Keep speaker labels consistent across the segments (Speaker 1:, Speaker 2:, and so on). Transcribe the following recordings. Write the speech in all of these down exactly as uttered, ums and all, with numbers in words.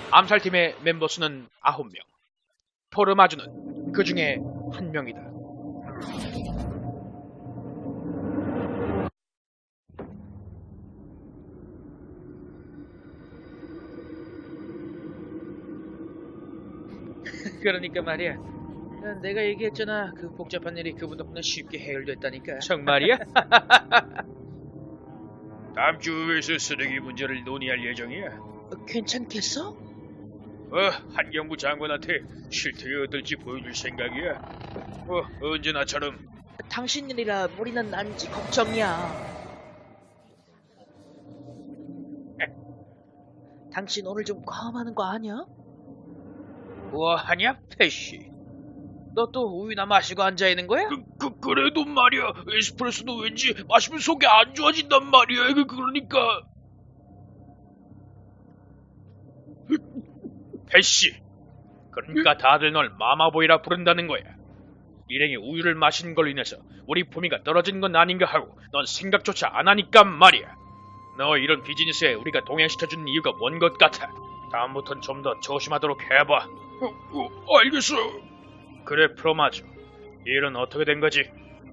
Speaker 1: 암살팀의 멤버 수는 아홉 명. 포르마주는 그 중에 한 명이다.
Speaker 2: 그러니까 말이야. 내가 얘기했잖아. 그 복잡한 일이 그분 덕분에 쉽게 해결됐다니까.
Speaker 1: 정말이야?
Speaker 3: 다음 주 후에서 쓰레기 문제를 논의할 예정이야.
Speaker 2: 어, 괜찮겠어?
Speaker 3: 어, 환경부 장관한테 실태가 어떨지 보여줄 생각이야. 어, 언제나처럼.
Speaker 2: 당신 일이라 무리는 난지 걱정이야. 당신 오늘 좀 과음하는 거 아니야?
Speaker 1: 뭐하냐, 패시? 너 또 우유나 마시고 앉아있는 거야?
Speaker 3: 그, 그, 그래도 말이야. 에스프레소도 왠지 마시면 속이 안 좋아진단 말이야. 그, 그러니까.
Speaker 1: 패시! 그러니까 다들 널 마마보이라 부른다는 거야. 일행이 우유를 마신 걸로 인해서 우리 품위가 떨어진 건 아닌가 하고 넌 생각조차 안 하니까 말이야. 너 이런 비즈니스에 우리가 동행시켜주는 이유가 뭔 것 같아. 다음부턴 좀 더 조심하도록 해봐.
Speaker 3: 어, 어, 알겠어.
Speaker 1: 그래, 프로마주. 이 일은 어떻게 된 거지?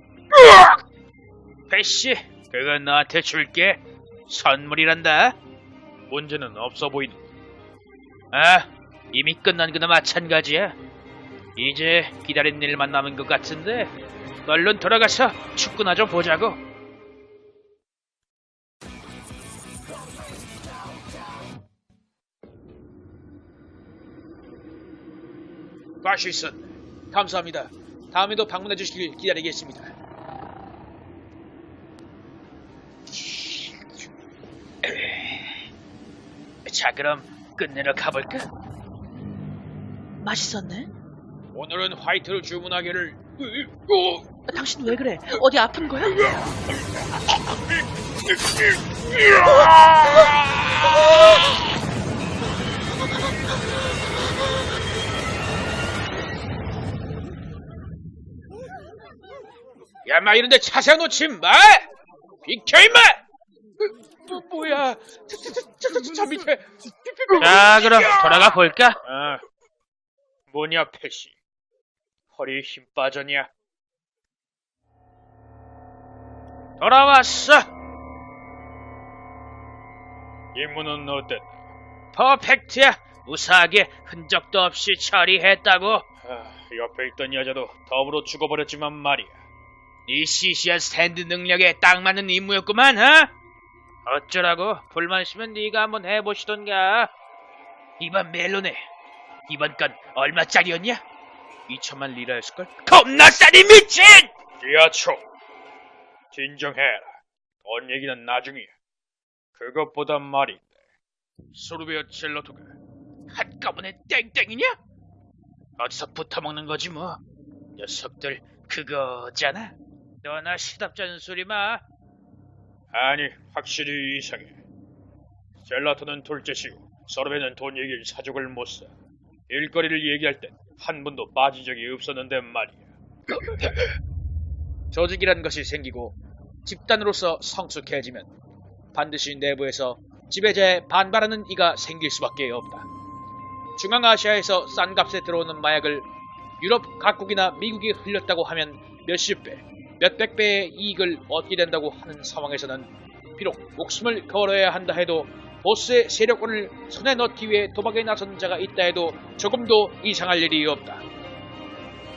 Speaker 1: 패시, 그건 너한테 줄게. 선물이란다. 문제는 없어 보이는. 아, 이미 끝난 거나 마찬가지야. 이제 기다린 일만 남은 것 같은데 얼른 돌아가서 축구나 좀 보자고. 파시슨, 감사합니다. 다음에도 방문해 주시길 기다리겠습니다. 자, 그럼 끝내러 가볼까?
Speaker 2: 맛있었네?
Speaker 1: 오늘은 화이트를 주문하기를.
Speaker 3: 어,
Speaker 2: 당신 왜 그래? 어디 아픈 거야?
Speaker 1: 야, 마 이런데 차 세워놓지 마! 비켜 임마! 뭐, 뭐야? 저, 저, 저, 저, 저, 저 밑에. 자, 그럼 돌아가 볼까? 아, 뭐냐, 패시. 허리 힘 빠졌냐? 돌아왔어.
Speaker 3: 임무는 어땠나?
Speaker 1: 퍼펙트야. 무사하게 흔적도 없이 처리했다고.
Speaker 3: 아, 옆에 있던 여자도 더불어 죽어버렸지만 말이야.
Speaker 1: 이 시시한 스탠드 능력에 딱 맞는 임무였구만, 어? 어쩌라고? 불만 있으면 네가 한번 해보시던가. 이번 멜론에 이번 건 얼마짜리였냐? 이천만 리라였을걸? 겁나 싸니 미친!
Speaker 3: 지하초, 진정해라. 돈 얘기는 나중이야. 그것보다 말인데, 소르베어 첼로토가
Speaker 1: 한꺼번에 땡땡이냐? 어디서 붙어먹는 거지 뭐. 녀석들 그거잖아. 너나 시답잖은 소리 마.
Speaker 3: 아니, 확실히 이상해. 젤라토는 둘째시고 소르베는 돈 얘기를 사족을 못 사. 일거리를 얘기할 땐 한 번도 빠진 적이 없었는데 말이야.
Speaker 1: 조직이란 것이 생기고 집단으로서 성숙해지면 반드시 내부에서 지배자에 반발하는 이가 생길 수밖에 없다. 중앙아시아에서 싼 값에 들어오는 마약을 유럽 각국이나 미국이 흘렸다고 하면 몇십 배, 몇백 배의 이익을 얻게 된다고 하는 상황에서는 비록 목숨을 걸어야 한다 해도 보스의 세력권을 손에 넣기 위해 도박에 나선 자가 있다 해도 조금도 이상할 일이 없다.